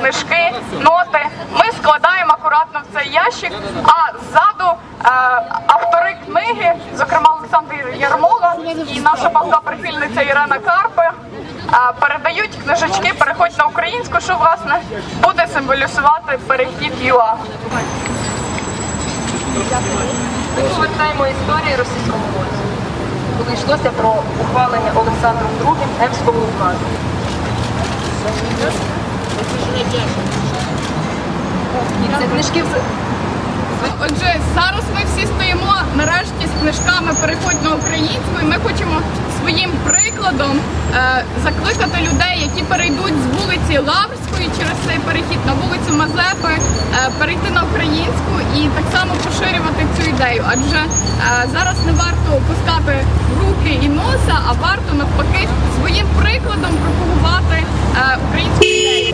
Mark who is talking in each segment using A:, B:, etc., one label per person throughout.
A: книжки, ноти. Ми складаємо акуратно в цей ящик, а ззаду автори книги, зокрема Олександр Ярмола і наша палка прихильниця Ірина Карпи, передають книжечки «Переходь на українську», що, власне, буде символізувати перехід ЮА.
B: Ми повертаємо історії російському війську, коли йшлося про ухвалення Олександром II Емського указу. Це книжки.
A: Отже, зараз ми всі стоїмо нарешті з книжками «Переходь на українську», і ми хочемо своїм прикладом закликати людей, які перейдуть з вулиці Лаврської через цей перехід на вулицю Мазепи, перейти на українську і так само поширювати цю ідею. Адже зараз не варто пускати руки і носа, а варто навпаки своїм прикладом пропагувати українську ідею.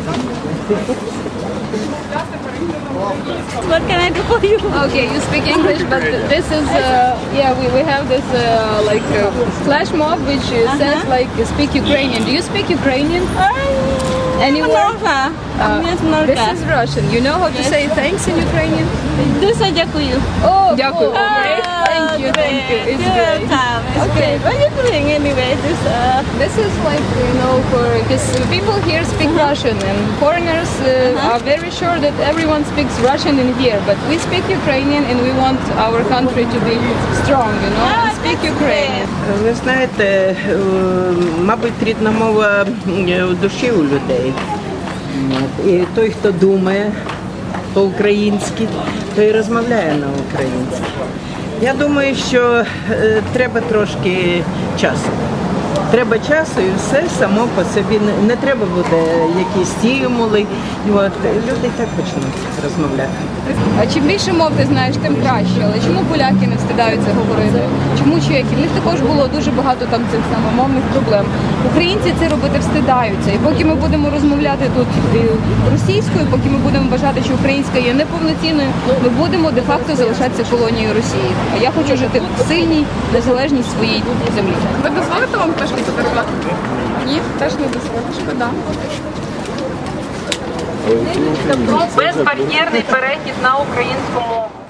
C: What can I do for you?
D: Okay, you speak English, but this is yeah, we have this like flash mob which says like speak Ukrainian. Do you speak Ukrainian? Anywhere? This is Russian. You know how to say thanks in Ukrainian?
C: Дуже дякую.
D: Oh, дякую. Great. Thank you. It's great.
C: Okay, what are you doing anyway?
D: This is like, you know, because people here speak Russian and foreigners are very sure that everyone speaks Russian in here, but we speak Ukrainian and we want our country to be strong, you know, and speak Ukrainian.
E: Ви знаєте, мабуть, рідна мова в душі у людей. І той, хто думає по-українськи, той і розмовляє на українськи. Я думаю, що треба трошки часу. Треба часу і все само по собі. Не треба буде якісь стимули. Люди так почнуть розмовляти.
D: А чим більше мов ти знаєш, тим краще. Але чому поляки не встидаються говорити? Чому чеки? В них також було дуже багато там цих самомовних проблем. Українці це робити встидаються. І поки ми будемо розмовляти тут російською, поки ми будемо вважати, що українська є неповноцінною, ми будемо де-факто залишатися колонією Росії. А я хочу жити в сильній, незалежній своїй землі.
A: Ви дозволите вам книжку подарувати? Ні, теж не дозволите. Шкода.
B: Безбар'єрний перехід на українську мову.